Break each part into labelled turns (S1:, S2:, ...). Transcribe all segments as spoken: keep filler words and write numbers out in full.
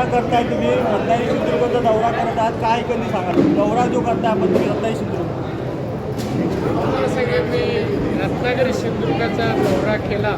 S1: दौरा करताय तुम्ही, रत्नागिरी सिंधुदुर्गचा दौरा करत आहात, काय कधी सांगा दौरा जो करताय आपण तुम्ही रत्नागिरी सिंधुदुर्ग?
S2: तुम्हाला सांगेन मी रत्नागिरी सिंधुदुर्गाचा दौरा केला.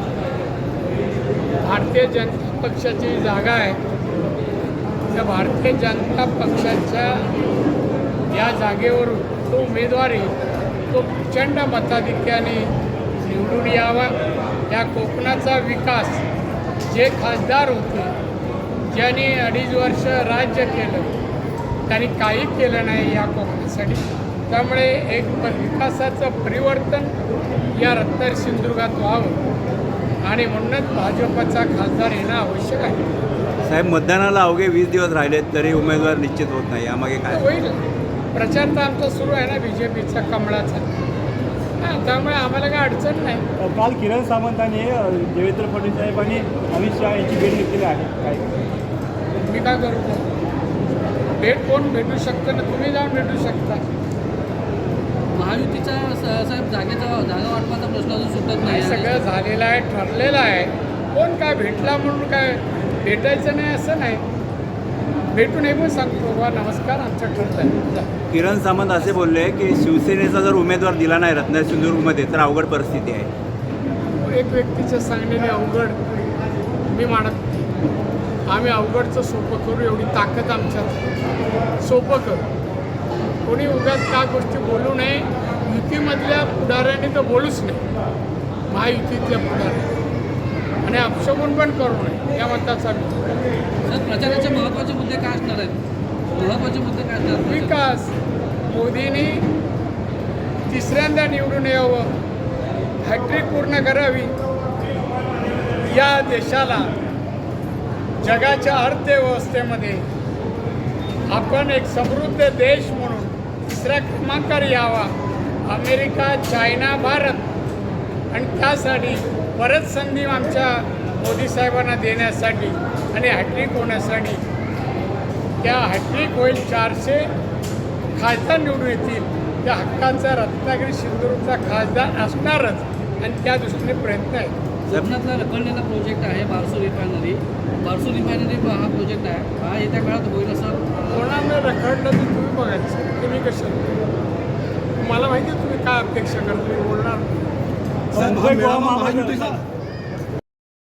S2: भारतीय जनता पक्षाची जागा आहे. त्या भारतीय जनता पक्षाच्या या जागेवरून तो उमेदवारी तो प्रचंड मताधिक्याने निवडून यावा. या कोकणाचा विकास जे खासदार होते, ज्यांनी अडीच वर्ष राज्य केलं, त्यांनी काही केलं नाही या कोकणासाठी. त्यामुळे एक विकासाचं परिवर्तन या रत्नागिरी सिंधुदुर्गात व्हावं आणि म्हणूनच भाजपचा खासदार येणं आवश्यक आहे.
S3: साहेब, मतदानाला अवघे वीस दिवस राहिलेत तरी उमेदवार निश्चित होत नाही, यामागे काय
S2: होईल? प्रचार तर आमचा सुरू आहे ना, बी जे पीचा कमळाचा. हां, त्यामुळे आम्हाला काय अडचण नाही.
S1: काल किरण सामंतांनी देवेंद्र फडणवीस साहेब आणि अमित शहा यांची भेट घेतलेली आहे. काय
S2: मी काय करू? भेट कोण भेटू शकतं ना, तुम्ही जाऊन भेटू शकता.
S4: महायुतीचा साहेब जागेचा जागा वाटपाचा प्रश्न अजून सुटत नाही.
S2: सगळं झालेलं आहे, ठरलेलं आहे. कोण काय भेटला म्हणून काय भेटायचं नाही असं नाही. भेटून हे पण सांगतो बा नमस्कार, आमचं ठरलं आहे.
S3: किरण सामंत असे बोलले की शिवसेनेचा जर उमेदवार दिला नाही रत्नागिरी सिंधुदुर्गमध्ये तर अवघड परिस्थिती आहे.
S2: एक व्यक्तीच्या सांगण्याने अवघड मी मानत नाही. आम्ही अवघडचं सोपं करू, एवढी ताकद आमच्यात. सोपं करू. कोणी उगाच त्या गोष्टी बोलू नये. युतीमधल्या पुढाऱ्यांनी तर बोलूच नाही, महायुतीतल्या पुढाऱ्यांनी, आणि अपशगुन पण करू नये या मताचा मी.
S4: सर, प्रचाराचे महत्त्वाचे मुद्दे काय असणार आहेत? महत्त्वाचे मुद्दे काय असणार?
S2: विकास. मोदींनी तिसऱ्यांदा निवडून यावं, हॅट्रिक पूर्ण करावी, या देशाला जगाच्या अर्थव्यवस्थेमध्ये आपण एक समृद्ध देश म्हणून तिसऱ्या क्रमांकावर यावा. अमेरिका, चायना, भारत, आणि त्यासाठी परत संधी आमच्या मोदी साहेबांना देण्यासाठी आणि हॅट्रिक होण्यासाठी. त्या हॅट्रिक होईल, चारशे खासदार निवडून येतील. त्या हक्काचा रत्नागिरी सिंधुदुर्गचा खासदार असणारच, आणि त्या दृष्टीने प्रयत्न आहे.
S4: कोकणातला रखडलेला प्रोजेक्ट आहे बारसू रिफायनरी. बारसू रिफायनरी हा प्रोजेक्ट आहे, हा येत्या काळात होईल असं
S2: कोणाला रखडलं तर तुम्ही बघायचं. तुम्ही कशा, मला माहिती आहे तुम्ही काय अपेक्षा करता, तुम्ही बोलणार.
S1: मुंबई गोवा महापालिका